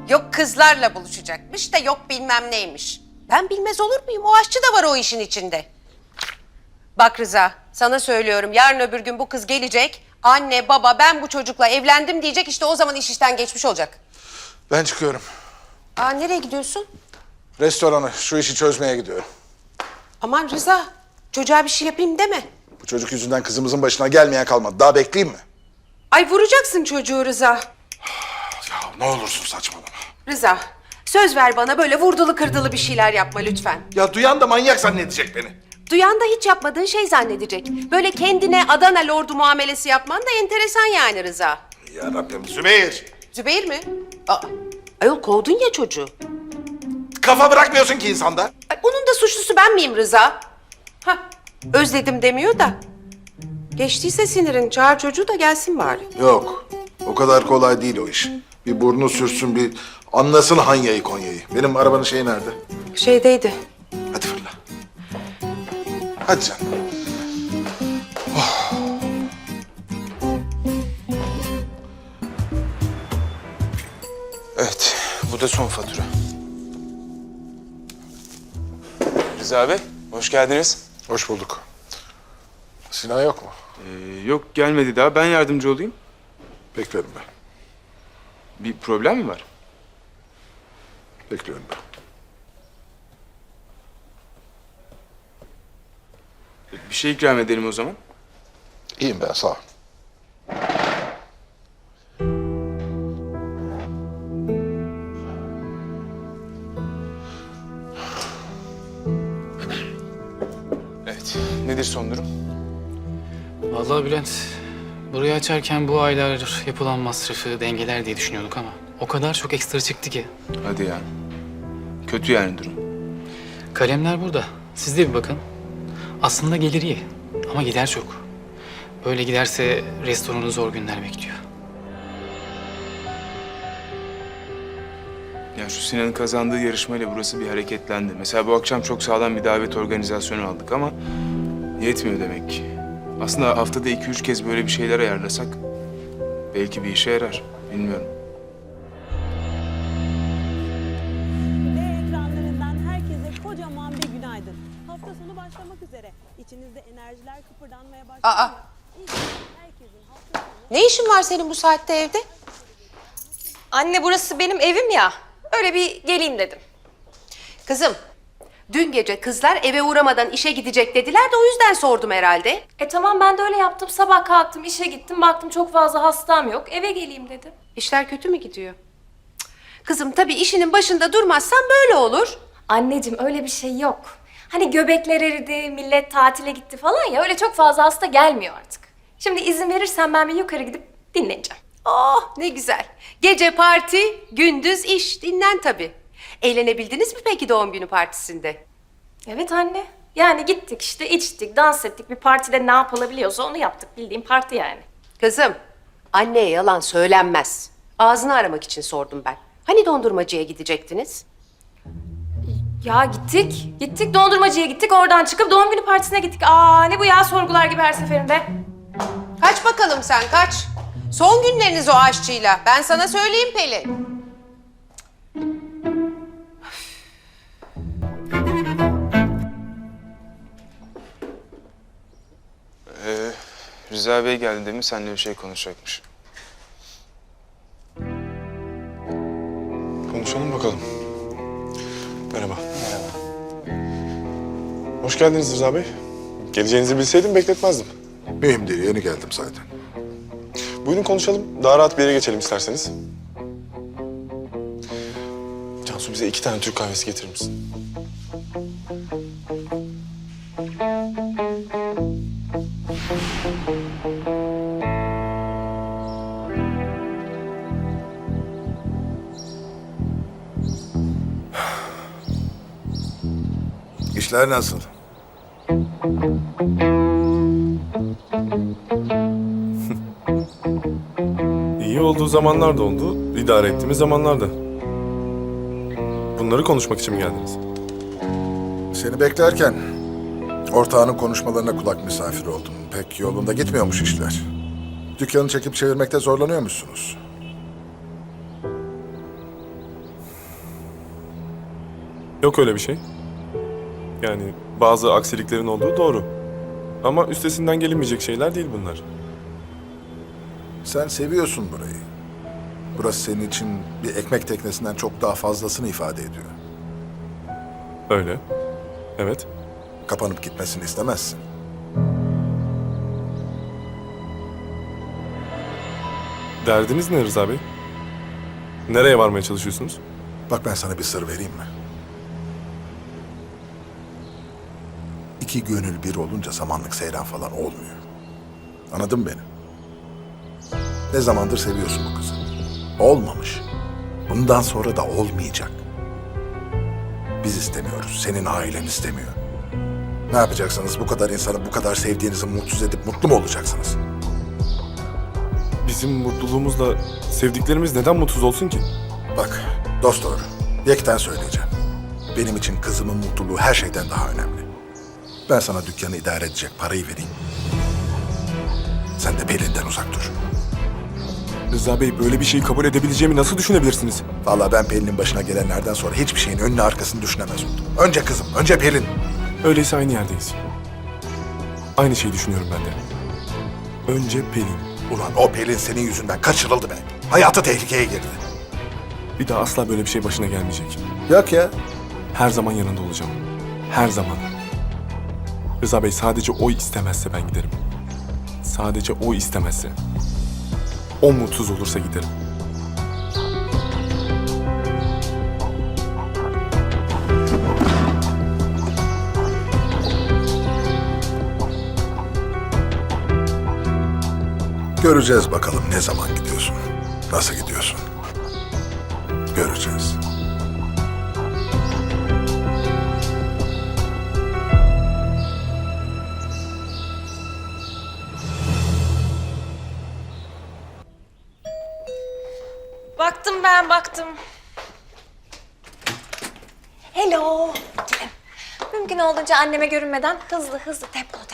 Yok kızlarla buluşacakmış da yok bilmem neymiş. Ben bilmez olur muyum? O aşçı da var o işin içinde. Bak Rıza, sana söylüyorum yarın öbür gün bu kız gelecek. Anne, baba ben bu çocukla evlendim diyecek. İşte o zaman iş işten geçmiş olacak. Ben çıkıyorum. Aa nereye gidiyorsun? Restorana, şu işi çözmeye gidiyorum. Aman Rıza, çocuğa bir şey yapayım deme. Bu çocuk yüzünden kızımızın başına gelmeyen kalmadı. Daha bekleyeyim mi? Ay vuracaksın çocuğu Rıza. Ya ne olursun saçmalama. Rıza, söz ver bana böyle vurdulu kırdılı bir şeyler yapma lütfen. Ya duyan da manyak zannedecek beni. Duyan da hiç yapmadığın şey zannedecek. Böyle kendine Adana lordu muamelesi yapman da enteresan yani Rıza. Ya Rabbim Zübeyir. Zübeyir mi? Aa, ayol kovdun ya çocuğu. Kafa bırakmıyorsun ki insanda. Ay, onun da suçlusu ben miyim Rıza? Hah, özledim demiyor da. Geçtiyse sinirin, çağır çocuğu da gelsin bari. Yok. O kadar kolay değil o iş. Bir burnu sürsün, bir anlasın Hanya'yı Konya'yı. Benim arabanın şeyi nerede? Şeydeydi. Hadi fırla. Hadi canım. Oh. Evet, bu da son fatura. Rıza Bey, hoş geldiniz. Hoş bulduk. Sinan yok mu? Yok gelmedi daha, ben yardımcı olayım. Bekliyorum ben. Bir problem mi var? Bekliyorum ben. Bir şey ikram edelim o zaman. İyiyim ben, sağ ol. Evet, nedir son durum? Vallahi Bülent, burayı açarken bu aylar yapılan masrafı dengeler diye düşünüyorduk ama o kadar çok ekstra çıktı ki. Hadi ya. Kötü yani durum. Kalemler burada. Siz de bir bakın. Aslında gelir iyi ama gider çok. Böyle giderse restoranı zor günler bekliyor. Ya şu Sinan'ın kazandığı yarışmayla burası bir hareketlendi. Mesela bu akşam çok sağlam bir davet organizasyonu aldık ama yetmiyor demek ki. Aslında haftada 2-3 kez böyle bir şeyler ayarlasak belki bir işe yarar. Bilmiyorum. Ve ekranlarından herkese kocaman bir günaydın. Hafta sonu başlamak üzere. İçinizde enerjiler kıpırdanmaya başladı. Aa. Herkesin hafta sonu... Ne işin var senin bu saatte evde? Anne burası benim evim ya. Öyle bir geleyim dedim. Kızım, dün gece kızlar eve uğramadan işe gidecek dediler de o yüzden sordum herhalde. Tamam ben de öyle yaptım. Sabah kalktım, işe gittim. Baktım çok fazla hastam yok. Eve geleyim dedim. İşler kötü mü gidiyor? Cık. Kızım tabii işinin başında durmazsan böyle olur. Anneciğim öyle bir şey yok. Hani göbekler eridi, millet tatile gitti falan ya. Öyle çok fazla hasta gelmiyor artık. Şimdi izin verirsen ben bir yukarı gidip dinleneceğim. Oh ne güzel. Gece parti, gündüz iş. Dinlen tabii. Eğlenebildiniz mi peki doğum günü partisinde? Evet anne. Yani gittik işte içtik, dans ettik. Bir partide ne yapılabiliyorsa onu yaptık. Bildiğin parti yani. Kızım, anneye yalan söylenmez. Ağzını aramak için sordum ben. Hani dondurmacıya gidecektiniz? Ya gittik. Gittik dondurmacıya gittik. Oradan çıkıp doğum günü partisine gittik. Aa ne bu ya sorgular gibi her seferinde. Kaç bakalım sen kaç. Son günleriniz o aşçıyla. Ben sana söyleyeyim Pelin. Rıza Bey geldi değil mi? Seninle bir şey konuşacakmış. Konuşalım bakalım. Merhaba. Merhaba. Hoş geldiniz Rıza Bey. Geleceğinizi bilseydim bekletmezdim. Mühim değil, yeni geldim zaten. Buyurun konuşalım. Daha rahat bir yere geçelim isterseniz. Cansu bize 2 tane Türk kahvesi getirir misin? İşler nasıl? İyi olduğu zamanlar da oldu, idare ettiğimiz zamanlar da. Bunları konuşmak için mi geldiniz? Seni beklerken ortağının konuşmalarına kulak misafiri oldum. Pek yolunda gitmiyormuş işler. Dükkanı çekip çevirmekte zorlanıyormuşsunuz. Yok öyle bir şey. Yani bazı aksiliklerin olduğu doğru. Ama üstesinden gelinmeyecek şeyler değil bunlar. Sen seviyorsun burayı. Burası senin için bir ekmek teknesinden çok daha fazlasını ifade ediyor. Öyle. Evet. Kapanıp gitmesini istemezsin. Derdiniz ne Rıza Bey? Nereye varmaya çalışıyorsunuz? Bak ben sana bir sır vereyim mi? İki gönül bir olunca samanlık seyran falan olmuyor. Anladın mı beni? Ne zamandır seviyorsun bu kızı. Olmamış. Bundan sonra da olmayacak. Biz istemiyoruz. Senin ailen istemiyor. Ne yapacaksınız? Bu kadar insanı bu kadar sevdiğinizi mutsuz edip mutlu mu olacaksınız? Bizim mutluluğumuzla sevdiklerimiz neden mutsuz olsun ki? Bak dost doğru. Yekten söyleyeceğim. Benim için kızımın mutluluğu her şeyden daha önemli. Ben sana dükkanı idare edecek parayı vereyim. Sen de Pelin'den uzak dur. Rıza Bey böyle bir şeyi kabul edebileceğimi nasıl düşünebilirsiniz? Vallahi ben Pelin'in başına gelenlerden sonra hiçbir şeyin önünü arkasını düşünemez oldum. Önce kızım, önce Pelin. Öyleyse aynı yerdeyiz. Aynı şeyi düşünüyorum ben de. Önce Pelin. Ulan o Pelin senin yüzünden kaçırıldı be. Hayatı tehlikeye girdi. Bir daha asla böyle bir şey başına gelmeyecek. Yok ya. Her zaman yanında olacağım. Her zaman. Rıza Bey sadece o istemezse ben giderim. Sadece o istemezse. O mutsuz olursa giderim. Göreceğiz bakalım ne zaman gidiyorsun. Nasıl gidiyorsun. Göreceğiz. Baktım ben, baktım. Hello. Gelin. Mümkün olduğunca anneme görünmeden hızlı tempolu.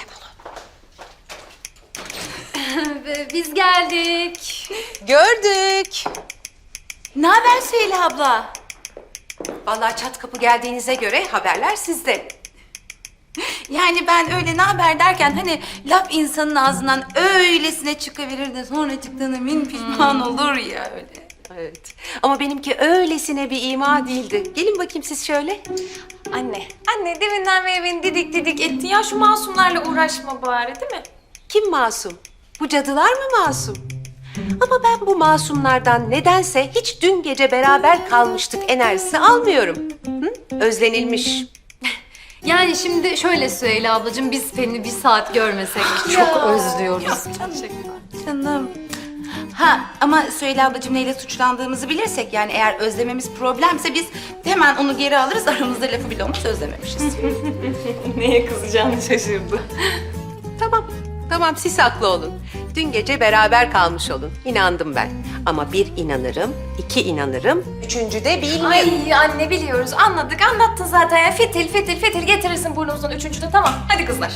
Biz geldik. Gördük. Ne haber Süheyla abla? Vallahi çat kapı geldiğinize göre haberler sizde. Yani ben öyle ne haber derken hani laf insanın ağzından öylesine çıkabilir de sonra çıktığına min pişman olur ya öyle. Evet. Ama benimki öylesine bir ima değildi. Gelin bakayım siz şöyle. Anne deminden beri beni didik ettin. Ya şu masumlarla uğraşma bari değil mi? Kim masum? Bu cadılar mı masum? Ama ben bu masumlardan nedense hiç dün gece beraber kalmıştık enerjisi almıyorum. Hı? Özlenilmiş. Yani şimdi şöyle Süheyla ablacığım biz Pelin'i bir saat görmesek çok özlüyoruz. Canım. Ha ama Süheyla ablacığım neyle suçlandığımızı bilirsek yani eğer özlememiz problemse biz hemen onu geri alırız aramızda lafı bile olmaz özlememişiz. Neye kızacağını şaşırdı. Tamam siz haklı olun. Dün gece beraber kalmış olun. İnandım ben. Ama bir inanırım, iki inanırım, üçüncü de bilmem. Ay anne biliyoruz, anladık, anlattın zaten. Ya. Fitil getirirsin burnumuzdan üçüncüde, tamam. Hadi kızlar.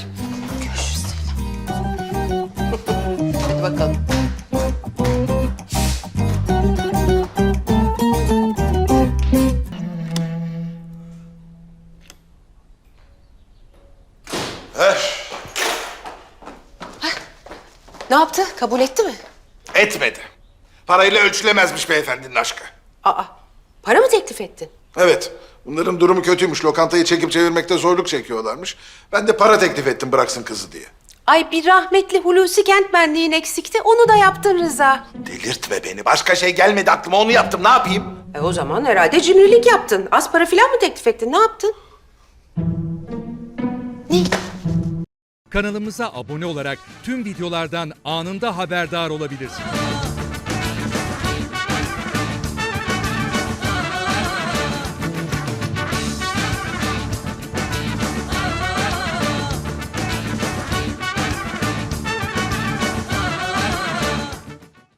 Hadi bakalım. Ne yaptı? Kabul etti mi? Etmedi. Parayla ölçülemezmiş beyefendinin aşkı. Aa, para mı teklif ettin? Evet. Bunların durumu kötüymüş. Lokantayı çekip çevirmekte zorluk çekiyorlarmış. Ben de para teklif ettim bıraksın kızı diye. Ay bir rahmetli Hulusi Kentmenliğin eksikti. Onu da yaptın Rıza. Delirtme beni. Başka şey gelmedi aklıma. Onu yaptım. Ne yapayım? O zaman herhalde cimrilik yaptın. Az para falan mı teklif ettin? Ne yaptın? Ne? Kanalımıza abone olarak tüm videolardan anında haberdar olabilirsiniz.